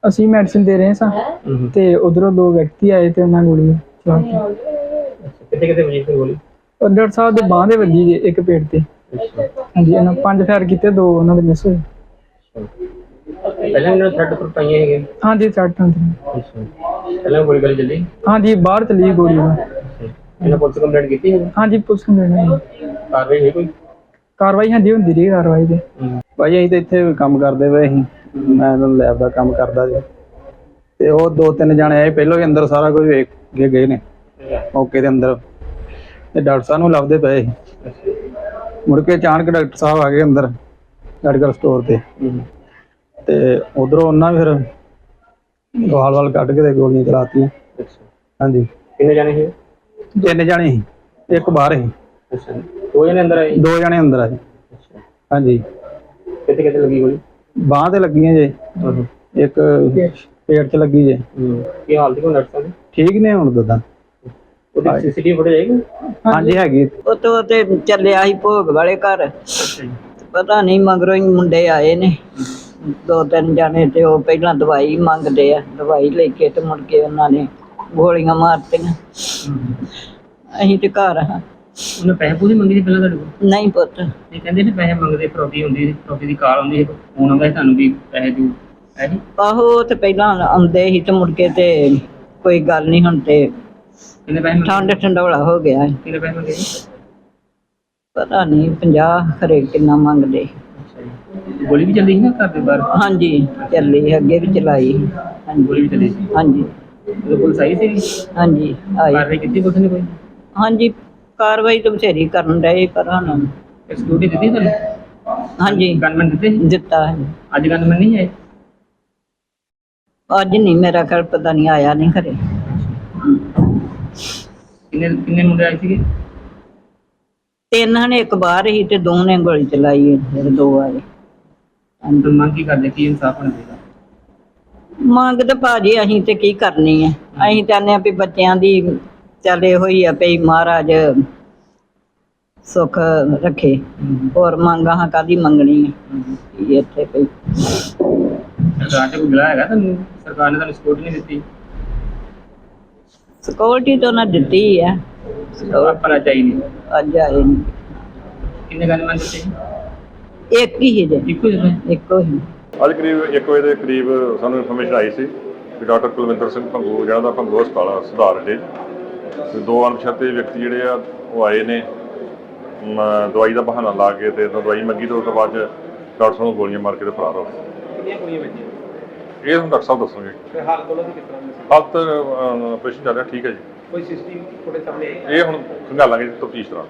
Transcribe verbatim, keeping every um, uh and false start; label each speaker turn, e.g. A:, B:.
A: ਅਸੀਂ ਮੈਡੀਸਿਨ ਦੇ ਰਹੇ ਸਾਂ ਤੇ ਉਧਰੋਂ ਦੋ ਵਿਅਕਤੀ ਆਏ ਤੇ ਉਹਨਾਂ ਗੋਲੀ ਚਲਾਤੀ।
B: ਕਿੱਥੇ ਕਿੱਥੇ ਵਜੀ ਸੀ ਗੋਲੀ?
A: ਉਹ ਡਾਕਟਰ ਸਾਹਿਬ ਦੇ ਬਾਂਹ ਦੇ ਵੱਜੀ ਜੀ, ਇੱਕ ਪੇਟ ਤੇ। ਹਾਂਜੀ, ਇਹਨਾਂ ਪੰਜ ਫਾਇਰ ਕੀਤੇ, ਦੋ ਉਹਨਾਂ ਦੇ ਮਿਸ ਹੋਏ।
B: ਪਹਿਲਾਂ ਇਹਨਾਂ ਥਰਡ ਪਰ ਪਾਈਆਂ ਹੈਗੇ?
A: ਹਾਂਜੀ, ਸੱਟ ਹੁੰਦੀ।
B: ਪਹਿਲਾਂ ਗੋਲੀ ਗਲੀ ਚੱਲੀ?
A: ਹਾਂਜੀ, ਬਾਹਰ ਚਲੀ ਗੋਲੀ।
B: ਇਹਨਾਂ ਪੁਲਿਸ ਕੰਪਲੇਂਟ ਕੀਤੀ ਹੈ?
A: ਹਾਂਜੀ, ਪੁਲਿਸ ਕੰਪਲੇਂਟ।
B: ਕਾਰਵਾਈ ਹੋਈ ਕੋਈ?
A: ਕਾਰਵਾਈ ਹਾਂਜੀ ਹੁੰਦੀ ਰਹੀ ਕਾਰਵਾਈ ਤੇ।
C: ਭਾਈ ਅਸੀਂ ਤਾਂ ਇੱਥੇ ਕੰਮ ਕਰਦੇ ਪਏ ਸੀ, ਮੈਂ ਲੈਬ ਦਾ ਕੰਮ ਕਰਦਾ ਜੀ। ਤੇ ਉਹ ਦੋ ਤਿੰਨ ਜਾਣੇ ਆਏ, ਪਹਿਲਾਂ ਹੀ ਅੰਦਰ ਸਾਰਾ ਕੁਝ ਵੇਖ ਕੇ ਗਏ ਨੇ ਮੌਕੇ ਦੇ ਅੰਦਰ, ਤੇ ਡਾਕਟਰ ਸਾਹਿਬ ਨੂੰ ਲੱਭਦੇ ਪਏ ਸੀ। ਮੁੜ ਕੇ ਅਚਾਨਕ ਡਾਕਟਰ ਸਾਹਿਬ ਆ ਗਏ ਅੰਦਰ ਮੈਡੀਕਲ ਸਟੋਰ ਤੇ, ਤੇ ਉਧਰੋਂ ਉਹਨਾਂ ਫਿਰ ਵਾਲ ਵਾਲ ਕੱਢ ਕੇ ਤੇ ਗੋਲੀਆਂ ਚਲਾਤੀਆਂ। ਹਾਂਜੀ।
B: ਕਿੰਨੇ ਜਾਣੇ ਸੀ?
C: ਤਿੰਨ ਜਾਣੇ ਸੀ, ਇੱਕ ਬਾਹਰ ਸੀ।
B: ਅੱਛਾ, ਦੋ ਜਣੇ ਅੰਦਰ ਆਏ?
C: ਦੋ ਜਣੇ ਅੰਦਰ ਆਏ। ਹਾਂਜੀ।
B: ਕਿੱਥੇ ਕਿੱਥੇ ਲੱਗੀ ਗੋਲੀ?
C: ਬਾਂਹ ਤੇ ਲੱਗੀਆਂ ਜੇ, ਇੱਕ ਪੇਟ 'ਚ ਲੱਗੀ ਜੇ।
B: ਕੀ ਹਾਲਤ ਹੈ ਡਾਕਟਰ ਸਾਹਿਬ?
C: ਠੀਕ ਨੇ ਹੁਣ ਦਦਾ।
B: ਉਹਦੀ ਸੀਸੀਟੀਵੀ ਫੁਟੇਜ ਹੈਗੀ?
C: ਹਾਂਜੀ ਹੈਗੀ।
D: ਉਹ ਤੋਂ ਤੇ ਚੱਲਿਆ ਸੀ ਭੋਗ ਵਾਲੇ ਘਰ, ਪਤਾ ਨਹੀਂ ਮਗਰੋਂ ਹੀ ਮੁੰਡੇ ਆਏ ਨੇ ਦੋ ਤਿੰਨ ਜਾਣੇ, ਤੇ ਉਹ ਪਹਿਲਾਂ ਦਵਾਈ ਮੰਗਦੇ ਆ, ਦਵਾਈ ਲੈ ਕੇ ਤੇ ਮੁੜ ਕੇ ਉਹਨਾਂ ਨੇ ਗੋਲੀਆਂ ਮਾਰਤੀਆਂ। ਅਸੀਂ ਤੇ ਘਰ ਹਾਂ।
B: ਉਹਨੇ ਪੈਸੇ ਪੂਸੇ ਮੰਗੇ ਸੀ ਪਹਿਲਾਂ ਤੁਹਾਡੇ ਕੋਲ?
D: ਨਹੀਂ ਪੁੱਤ।
B: ਇਹ ਕਹਿੰਦੇ ਨੇ ਪੈਸੇ ਮੰਗਦੇ, ਫਰੋਤੀ ਹੁੰਦੀ, ਫਰੋਤੀ ਦੀ ਕਾਲ ਆਉਂਦੀ ਹੈ, ਫੋਨ ਆਉਂਦਾ ਸੀ ਤੁਹਾਨੂੰ ਵੀ ਪੈਸੇ ਦਿਓ, ਹੈ ਜੀ?
D: ਆਹੋ, ਤੇ ਪਹਿਲਾਂ ਆਉਂਦੇ ਸੀ ਤੇ ਮੁੜ ਕੇ ਤੇ ਕੋਈ ਗੱਲ ਨਹੀਂ, ਹੁਣ ਤੇ
B: ਕਿੰਨੇ ਪੈਸੇ ਮੰਗੇ?
D: ਠੰਡ ਠੰਡੋਲਾ ਹੋ ਗਿਆ।
B: ਕਿੰਨੇ ਪੈਸੇ ਮੰਗੇ ਜੀ?
D: ਪਤਾ ਨਹੀਂ ਪੰਜਾਹ ਖਰੇ ਕਿੰਨਾ ਮੰਗਦੇ।
B: ਅੱਛਾ ਜੀ। ਗੋਲੀ ਵੀ ਚੱਲੀ ਸੀ ਨਾ ਘਰ ਦੇ ਬਾਹਰ?
D: ਹਾਂਜੀ, ਚੱਲੀ, ਅੱਗੇ ਵੀ ਚਲਾਈ।
B: ਗੋਲੀ ਵੀ ਚੱਲੀ ਸੀ?
D: ਹਾਂਜੀ
B: ਉਦੋਂ ਪੁਲਿਸ ਆਈ ਸੀ?
D: ਹਾਂਜੀ ਆਈ।
B: ਕਾਰਵਾਈ ਕੀਤੀ ਪੁਲਿਸ ਨੇ ਕੋਈ?
D: ਹਾਂਜੀ, ਕਾਰਵਾਈ ਤਾਂ ਬਥੇਰੀ ਕਰਨ ਡਏ, ਪਰ ਹੁਣ
B: ਸਿਕਿਉਰਿਟੀ ਦਿੱਤੀ ਤੁਹਾਨੂੰ?
D: ਹਾਂਜੀ
B: ਗਨਮੈਨ ਦਿੱਤੇ?
D: ਦਿੱਤਾ ਹੈ।
B: ਅੱਜ ਗਨਮੈਨ ਨਹੀਂ ਆਏ?
D: ਅੱਜ ਨਹੀਂ, ਮੇਰਾ ਘਰ ਪਤਾ ਨਹੀਂ, ਆਇਆ ਨਹੀਂ ਘਰੇ।
B: ਕਿੰਨੇ ਕਿੰਨੇ ਮੁੰਡੇ ਆਏ ਸੀਗੇ?
D: ਤਿੰਨ ਨੇ, ਇੱਕ ਬਾਹਰ ਹੀ ਤੇ ਦੋ ਨੇ ਗੋਲੀ ਚਲਾਈ ਹੈ, ਫਿਰ ਦੋ ਆਏ।
B: ਅੰਦਰ ਮੰਗ ਕੀ ਕਰਦੇ, ਕੀ ਇਨਸਾਫ ਹੋਣਾ ਚਾਹੀਦਾ?
D: ਮੰਗ ਤਾਂ ਭਾਜੀ ਅਸੀਂ ਤੇ ਕੀ ਕਰਨੀ ਹੈ, ਅਸੀਂ ਚਾਹੁੰਦੇ ਹਾਂ ਵੀ ਬੱਚਿਆਂ ਦੀ ਚੱਲੇ ਹੋਈ ਆ ਪਈ, ਮਹਾਰਾਜ ਸੁੱਖ ਰੱਖੇ। ਹੋਰ ਮੰਗਾਂ ਕਾਹਦੀ ਮੰਗਣੀ ਹੈ ਇੱਥੇ ਪਈ।
B: ਸਰਕਾਰ ਚ ਕੋਈ ਗਿਲਾ ਹੈਗਾ ਤੁਹਾਨੂੰ? ਸਰਕਾਰ ਨੇ ਤੁਹਾਨੂੰ ਸਪੋਰਟ ਨਹੀਂ ਦਿੱਤੀ?
D: ਸਿਕਿਉਰਿਟੀ ਤਾਂ ਉਹਨਾਂ ਦਿੱਤੀ ਹੈ,
B: ਆਪਣਾ ਚਾਹੀਦੀ।
D: ਅੱਜ ਆਏ ਨਹੀਂ।
B: ਕਿੰਨੇ ਗਨਮੈਨ ਦਿੱਤੇ?
D: ਇੱਕ ਹੀ ਹੈ ਜੀ,
B: ਇੱਕੋ ਦਿੱਤੇ?
D: ਇੱਕੋ ਹੀ।
E: ਅੱਜ ਕਰੀਬ ਇੱਕ ਵਜੇ ਦੇ ਕਰੀਬ ਸਾਨੂੰ ਇਨਫੋਰਮੇਸ਼ਨ ਆਈ ਸੀ ਕਿ ਡਾਕਟਰ ਕੁਲਵਿੰਦਰ ਸਿੰਘ ਭੰਗੂ, ਜਿਹੜਾ ਦਾ ਭੰਗੂ ਹਸਪਤਾਲ ਸੁਧਾਰ ਅੱਡੇ, ਤੇ ਦੋ ਅਣਪਛਾਤੇ ਵਿਅਕਤੀ ਜਿਹੜੇ ਆ ਉਹ ਆਏ ਨੇ ਦਵਾਈ ਦਾ ਬਹਾਨਾ ਲਾ ਕੇ, ਤੇ ਦਵਾਈ ਮੰਗੀ ਤੇ ਉਸ ਤੋਂ ਬਾਅਦ ਡਾਕਟਰ ਸਾਹਿਬ ਨੂੰ ਗੋਲੀਆਂ ਮਾਰ ਕੇ ਤੇ ਫਰਾਰ ਹੋ ਗਏ।
B: ਕਿੰਨੀਆਂ ਗੋਲੀਆਂ ਵੱਜੀਆਂ?
E: ਇਹ ਹੁਣ ਡਾਕਟਰ ਸਾਹਿਬ ਦੱਸਣਗੇ।
B: ਤੇ ਹਾਲਤ ਉਹਨਾਂ ਦੀ ਕਿਸ ਤਰ੍ਹਾਂ ਦੀ?
E: ਹਾਲਤ ਆਪਰੇਸ਼ਨ ਚੱਲ ਰਿਹਾ, ਠੀਕ ਹੈ ਜੀ।
B: ਕੋਈ ਸੀਸੀਟੀਵੀ ਫੁਟੇਜ ਸਾਹਮਣੇ ਆਈ?
E: ਇਹ ਹੁਣ ਖੰਗਾਲਾਂਗੇ ਤਫਤੀਸ਼ ਦੌਰਾਨ।